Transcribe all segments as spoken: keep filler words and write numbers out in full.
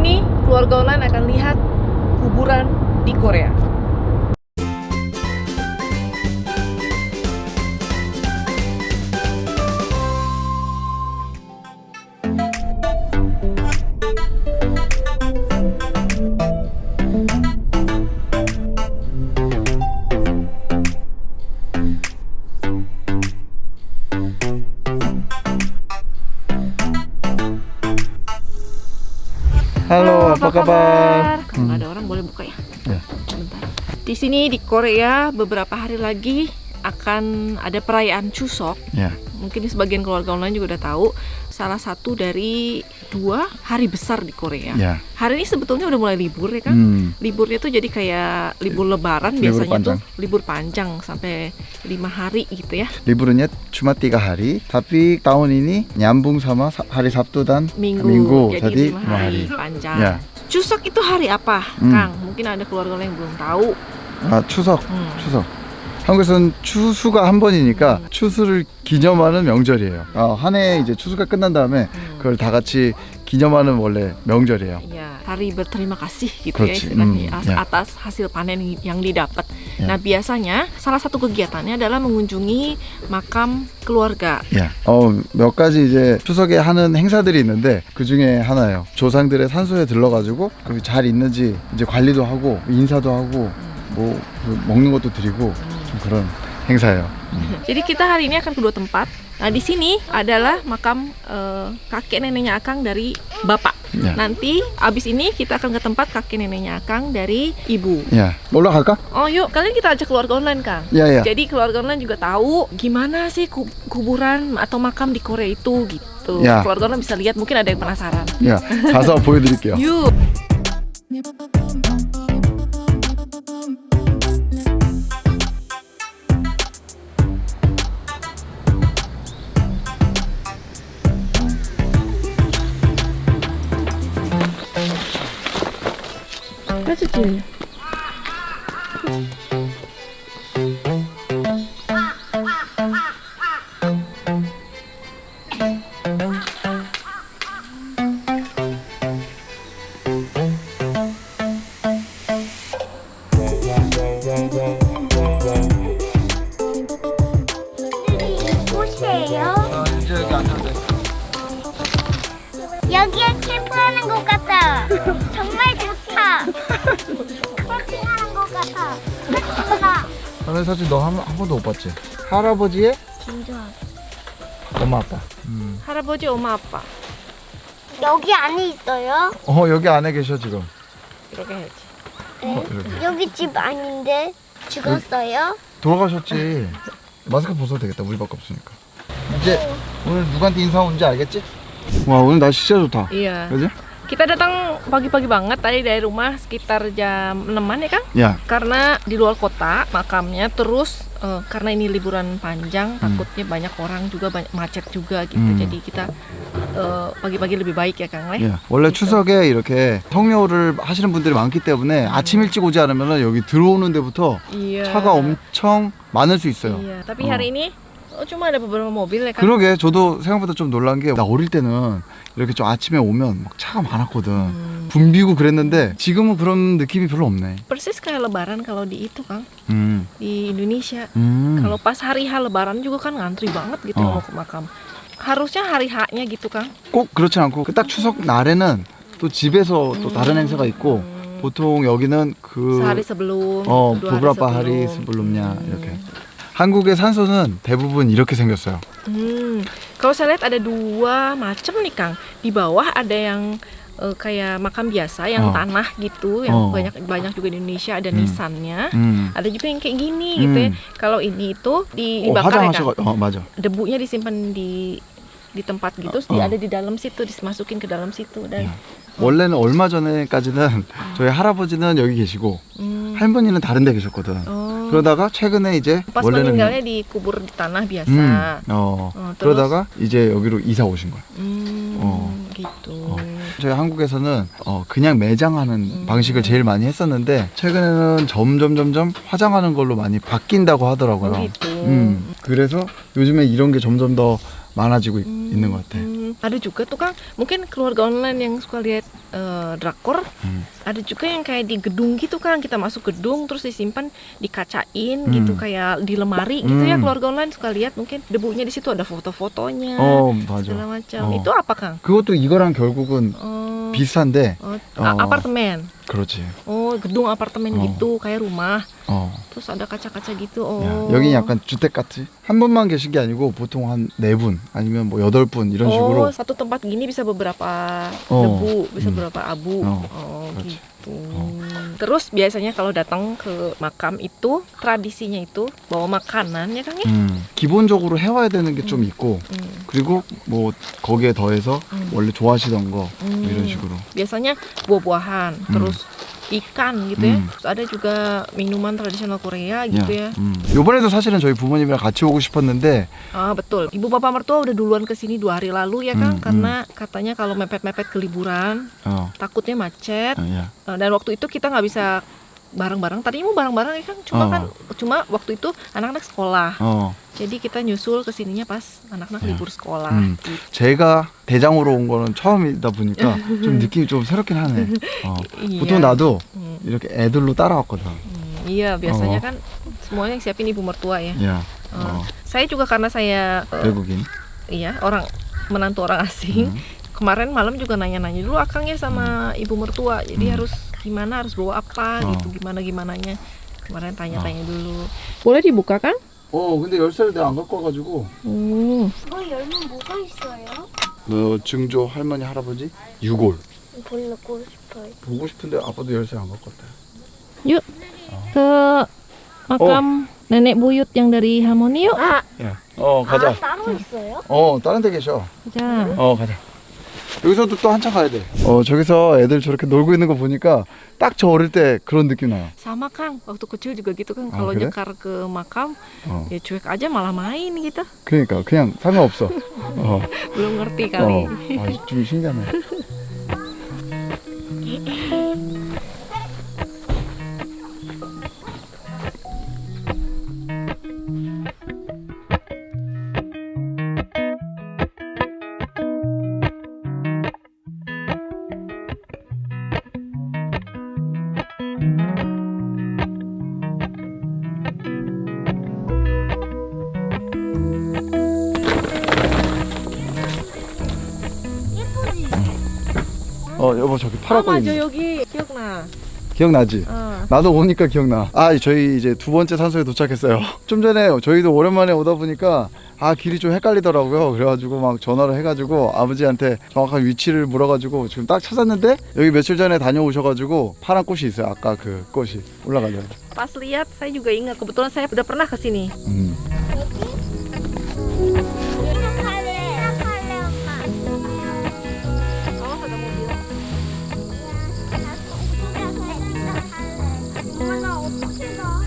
ini keluarga online akan lihat kuburan di Korea. Halo, apa kabar? Kalau Hmm. ada orang boleh buka ya. Ya. Sebentar. Di sini di Korea beberapa hari lagi akan ada perayaan Chuseok. Ya, Mungkin sebagian keluarga online juga udah tahu, salah satu dari dua hari besar di Korea. ya. Hari ini sebetulnya udah mulai libur ya kan? Hmm. Liburnya tuh jadi kayak libur lebaran Libur biasanya panjang. tuh libur panjang sampai lima hari gitu ya. Liburnya cuma tiga hari, tapi tahun ini nyambung sama sa- hari Sabtu dan Minggu, Minggu, jadi jadi lima lima hari, hari. panjang. Ya. Chuseok itu hari apa, Hmm. Kang? Mungkin ada keluarga lain yang belum tahu. 아, 추석, 음. 추석. 한국에서는 추수가 한 번이니까 음. 추수를 기념하는 명절이에요. 어, 한 해 이제 추수가 끝난 다음에 음. 그걸 다 같이 기념하는 원래 명절이에요. Ya, hari berterima kasih gitu Kruci, ya istilahnya, hmm, as- ya. atas hasil panen yang didapat. Ya. Nah, biasanya salah satu kegiatannya adalah mengunjungi makam keluarga. 야, 어, 몇 가지 이제 추석에 하는 행사들이 있는데 그 중에 하나예요. 조상들의 산소에 들러가지고 그 잘 있는지 이제 관리도 하고 인사도 하고 뭐 그 먹는 것도 드리고 좀 그런 행사예요. Jadi kita hari ini akan kedua tempat. Nah, di sini adalah makam eh, kakek neneknya Akang dari bapak. Ya. Nanti abis ini kita akan ke tempat kakek neneknya Akang dari ibu. 야, 올라갈까? Oh yuk, kalian kita ajak keluarga online, Kang. 야, 야. Jadi keluarga online juga tahu gimana sih ku- kuburan atau makam di Korea itu gitu. Ya. Keluarga online bisa lihat, mungkin ada yang penasaran. 야, 가서 보여드릴게요. Yuk. Kecil. 꽃이에요? 여기에 캠프하는 것 같아. 정말 좋다. 캠핑하는 것 같아. 좋다. 저는 사실 너 한 한 번도 못 봤지? 할아버지의 진짜. 엄마 아빠. 음. 할아버지, 엄마, 아빠. 여기 안에 있어요? 어, 여기 안에 계셔 지금. 이렇게 해야지. 네. 어, 이렇게. 여기 집 아닌데 죽었어요? 돌아가셨지. 마스크 벗어도 되겠다. 우리밖에 없으니까. 이제 오늘 누구한테 인사 온지 알겠지? 와, 오늘 날씨 진짜 좋다. Iya. 그지? Kita datang pagi-pagi banget tadi dari rumah sekitar jam enaman ya, Kang? 야, Karena di luar kota makamnya, terus eh, karena ini liburan panjang, takutnya banyak orang juga, banyak macet juga gitu. Hmm. Jadi kita eh, pagi-pagi lebih baik ya, Kang. Le? 야, 원래 추석에 이렇게 성묘를 하시는 분들이 많기 때문에 아침 일찍 오지 않으면 여기 들어오는 데부터 Iya. 차가 엄청 많을 수 있어요. Iya. Tapi 어. hari ini oh, cuma ada beberapa mobil ya, Kang? 그러게 저도 생각보다 좀 놀란 게 나 어릴 때는 이렇게 좀 아침에 오면 막 차가 많았거든. Hmm. 붐비고 그랬는데 지금은 그런 느낌이 별로 없네. Persis kayak lebaran kalau di itu, Kang. 음. Di Indonesia. 음. Kalau pas hari H lebaran juga kan ngantri banget gitu Oh. mau ke makam. Harusnya hari H-nya gitu, Kang. 꼭 그렇진 않고 그 딱 추석 날에는 또 집에서 또 다른 행사가 있고 보통 여기는 그 Sehari sebelum, 어, dua hari beberapa sebelum. hari sebelumnya Hmm. 이렇게. 한국의 산소는 대부분 이렇게 생겼어요. Hmm. Kalau saya lihat ada dua macam nih, Kang. Di bawah ada yang eh, kayak makam biasa yang Oh. tanah gitu, yang Oh. banyak banyak juga di Indonesia ada Hmm. nisannya. 음. Ada juga yang kayak gini gitu ya. Hmm. Kalau ini itu di 어, dibakar ya, Kang. 화장하셔가 어, 맞아. Debunya disimpan di di tempat gitu, terus Oh. di- ada di dalam situ, dimasukin ke dalam situ dan 원래는 얼마 전에까지는 저희 할아버지는 여기 계시고 hmm. 할머니는 다른 데 계셨거든. Oh. 그러다가 최근에 이제 Pas 원래는 meninggalnya dikubur di tanah biasa. 음, 어, 어, terus? 그러다가 이제 여기로 이사 오신 거야. Hmm, 어. gitu. 저희 한국에서는 어, 그냥 매장하는 방식을 제일 많이 했었는데 최근에는 점점 점점 화장하는 걸로 많이 바뀐다고 하더라고요. Oh, gitu. 음, 그래서 요즘에 이런 게 점점 더 많아지고 있, Hmm, 있는 것 같아. hmm. Ada juga tuh Kang, mungkin keluarga online yang suka lihat eh, drakor. Hmm. Ada juga yang kayak di gedung gitu Kang, kita masuk gedung terus disimpan, dikacain Hmm. gitu kayak di lemari gitu ya. Hmm. Keluarga online suka lihat, mungkin debunya di situ ada foto-fotonya 어, 맞아. segala macam. 어. Itu apa Kang? 그것도 이거랑 결국은 Oh, 비슷한데, oh, 어. a- apartemen. 그렇지. Oh, gedung apartemen 어. gitu kayak rumah. 어. Terus ada kaca-kaca gitu. Oh. 야, 여기 약간 주택 같지? 한 분만 계신 게 아니고 보통 한 네 분 아니면 뭐 여덟 분 이런 Oh, 식으로. satu tempat gini bisa beberapa Oh. debu, bisa Hmm. beberapa abu. Oh, Oh, 그렇지. gitu. Terus biasanya kalau datang ke makam itu tradisinya itu bawa makanan ya Kang ya? 음, 기본적으로 해와야 되는 게 좀 있고, Hmm. 그리고 뭐 거기에 더해서 음. 원래 좋아하시던 거 Hmm. 뭐 이런 식으로. Biasanya buah-buahan, terus ikan gitu ya. Hmm. Terus ada juga minuman tradisional Korea gitu ya. 음. 요번에도 사실은 저희 부모님이랑 같이 오고 싶었는데, Ah betul. Ibu bapak mertua udah duluan kesini dua hari lalu ya Kang, Hmm, karena katanya kalau mepet-mepet ke liburan 어, takutnya macet. 어, 야. Uh, dan waktu itu kita nggak bisa bareng-bareng. Tadinya mau bareng-bareng ya Kang, cuma Oh. kan cuma waktu itu anak-anak sekolah. 어, Jadi kita nyusul ke sininya pas anak-anak Ya. libur sekolah. 음. Gitu. 제가 대장으로 온 거는 처음이다 보니까 좀 느낌이 좀 새롭긴 하네. 어. Iya. 보통 나도 Hmm, 이렇게 애들로 따라왔거든. hmm, iya, biasanya Oh. kan semuanya yang siapin ibu mertua ya. 야, Uh, 어, Saya juga karena saya uh, 외국인. iya orang menantu orang asing. 음. Kemarin malam juga nanya-nanya dulu akang ya sama ibu mertua. Jadi Hmm. harus gimana, harus bawa apa Oh. gitu, gimana gimananya. Kemarin tanya-tanya dulu. Boleh dibuka Kang? 어, 근데 열쇠를 내가 안 갖고 와가지고. Hmm. 그거 열면 뭐가 있어요? 너 증조 할머니 할아버지 유골 보고 싶어요. 보고 싶은데 아빠도 열쇠 안 갖고 왔다. Yuk ke makam nenek buyut yang dari Harmoni yuk. 아, 야, 어 가자. 아 따로 있어요? 어 다른 데 계셔. 자, 어 가자. 여기서도 또 한참 가야 돼. 어 저기서 애들 저렇게 놀고 있는 거 보니까 딱 저 어릴 때 그런 느낌 나요. sama Kang. Waktu kecil juga gitu kan. Ah, Kalau kira? nyekar ke makam, 어 ya cuek aja malah main gitu. 그러니까 그냥 상관없어. 어. Belum ngerti kali. 어. 아, 좀 신기하네. 어 여보 저기 Oh, 파라고 maju 있는 거 yogi, 기억나. 기억나지? 어. 나도 오니까 기억나. 아 저희 이제 두 번째 산소에 도착했어요. 좀 전에 저희도 오랜만에 오다 보니까 아 길이 좀 헷갈리더라고요. 그래가지고 막 전화를 해가지고 아버지한테 정확한 위치를 물어가지고 지금 딱 찾았는데 여기 며칠 전에 다녀오셔가지고 파란 꽃이 있어요. 아까 그 꽃이 올라가죠. Pas lihat saya juga ingat, kebetulan saya udah pernah ke sini. 음. 시작할래. 시작할래 엄마. Awas ada mobil. 엄마 나 어떻게 가?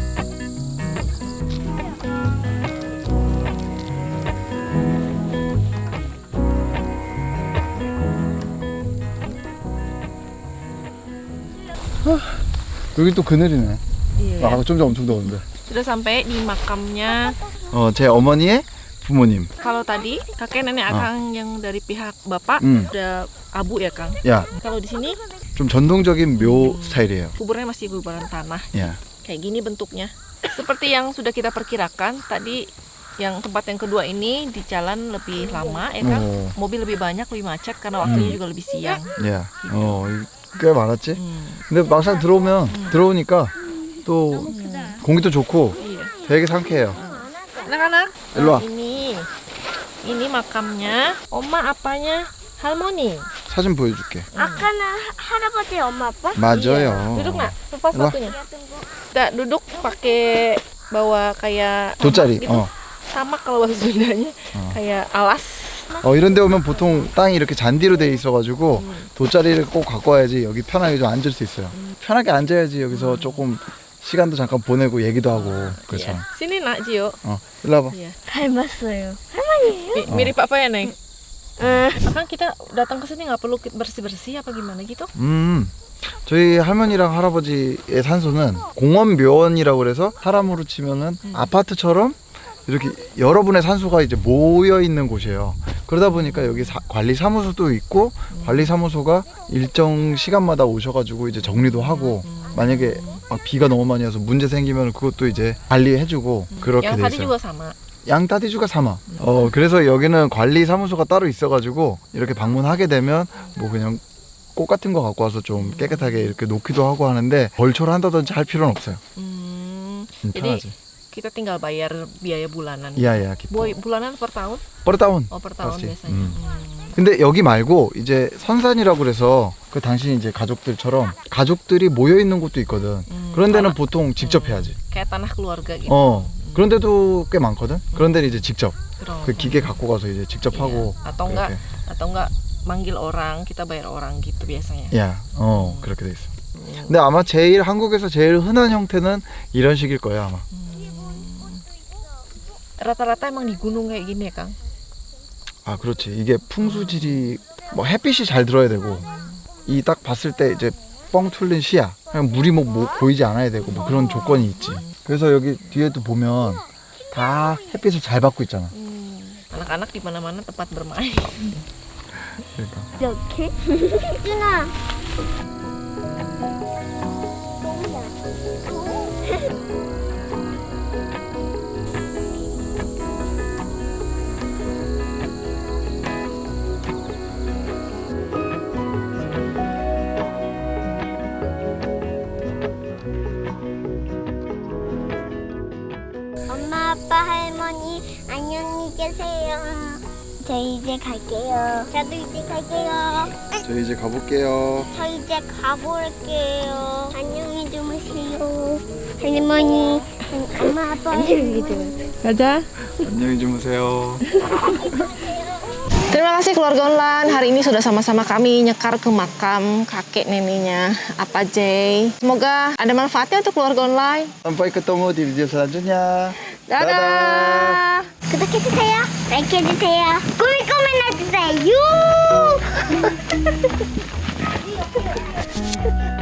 여기 또 그늘이네. Iya. 아까 좀 전 엄청 더웠는데. Sudah sampai di makamnya. 어, 제 어머니의 부모님. Kalau tadi kakek nenek Oh. akang yang dari pihak bapak Hmm. udah abu ya Kang. 야, Kalau di sini 좀 전통적인 묘 스타일이에요. kuburnya masih kuburan tanah. 야, Kayak gini bentuknya. Seperti yang sudah kita perkirakan tadi, yang tempat yang kedua ini di jalan lebih lama ya Kang. 어, Mobil lebih banyak, lebih macet karena waktunya juga lebih siang. 야, 어, 꽤 많았지? Hmm. 근데 막상 들어오면 들어오니까 또 공기도 좋고 Iya. 되게 상쾌해요. Anak-anak, 일로 와. ini ini makamnya oma apanya Harmoni. 사진 보여줄게. 아까는 하- 할아버지 엄마 아빠? 맞아요. Duduk nak, lepas Ilmu. sepatunya. Kita duduk pakai bawa kayak 돗자리. gitu. 어. Sama kalau bahasa Sundanya 어. kayak alas. 어, 이런 데 오면 보통 땅이 이렇게 잔디로 돼 있어가지고 돗자리를 꼭 갖고 와야지 여기 편하게 좀 앉을 수 있어요. 편하게 앉아야지 여기서 조금 시간도 잠깐 보내고 얘기도 하고 그래서. Iya. Sini nak Jio. 어, 일로 와봐. Iya. 닮았어요. Mi- mirip apa ya Neng? 응. Kan kita datang ke sini nggak perlu bersih-bersih apa gimana gitu? 음, 저희 할머니랑 할아버지의 산소는 공원 묘원이라고 그래서 사람으로 치면은 아파트처럼 이렇게 여러분의 산소가 이제 모여 있는 곳이에요. 그러다 보니까 여기 사, 관리 사무소도 있고 관리 사무소가 일정 시간마다 오셔가지고 이제 정리도 하고 만약에 막 비가 너무 많이 와서 문제 생기면 그것도 이제 관리해주고 그렇게 Yang 돼 tadi 있어요. juga sama. 양따디주가 사마. 어 그래서 여기는 관리 사무소가 따로 있어가지고 이렇게 방문하게 되면 뭐 그냥 꽃 같은 거 갖고 와서 좀 깨끗하게 이렇게 놓기도 하고 하는데 벌초를 한다든지 할 필요는 없어요. Hmm, 음, jadi 편하지. kita tinggal bayar biaya bulanan. 이야야 기뻐. Boy, bulanan per tahun? 뻘다운. Oh, per tahun Pasti. biasanya. Hmm. Hmm. 근데 여기 말고 이제 선산이라고 그래서 그 당신 이제 가족들처럼 가족들이 모여 있는 곳도 있거든. 음, 그런 데는 tanah- 보통 직접 음, 해야지. Kayak tanah keluarga gitu. 어. 그런 데도 꽤 많거든. 그런 데는 이제 직접 Keren. 그 기계 갖고 가서 이제 직접 Iya. 하고. Atau enggak 그렇게. atau enggak manggil orang, kita bayar orang gitu biasanya. 야, 어 그렇게 돼 있어. Hmm. 근데 아마 제일 한국에서 제일 흔한 형태는 이런 식일 거야 아마. Rata-rata emang di gunung kayak gini ya, Kang? 아 그렇지. 이게 풍수질이 뭐 햇빛이 잘 들어야 되고 이 딱 봤을 때 이제 뻥 뚫린 시야. 그냥 물이 뭐, 뭐 보이지 않아야 되고 뭐 그런 조건이 있지. 그래서 여기 뒤에도 보면 다 햇빛을 잘 받고 있잖아. Hmm. Anak-anak di mana-mana tempat bermain. 그러니까. 이렇게? 준아. 엄마, 아빠, 할머니, 안녕히 계세요. 저 이제 갈게요. 저도 이제 갈게요. 저 이제 가볼게요. 저 이제 가볼게요. 안녕히 주무세요. 할머니, 엄마, 아빠. 안녕히 주무세요. Dadah. 안녕히 주무세요. Terima kasih keluarga online. Hari ini sudah sama-sama kami nyekar ke makam kakek neneknya Apa Jay. Semoga ada manfaatnya untuk keluarga online. Sampai ketemu di video selanjutnya. Dadah. 구독해주세요. 라이크해주세요. 꾸미꾸미 해주세요.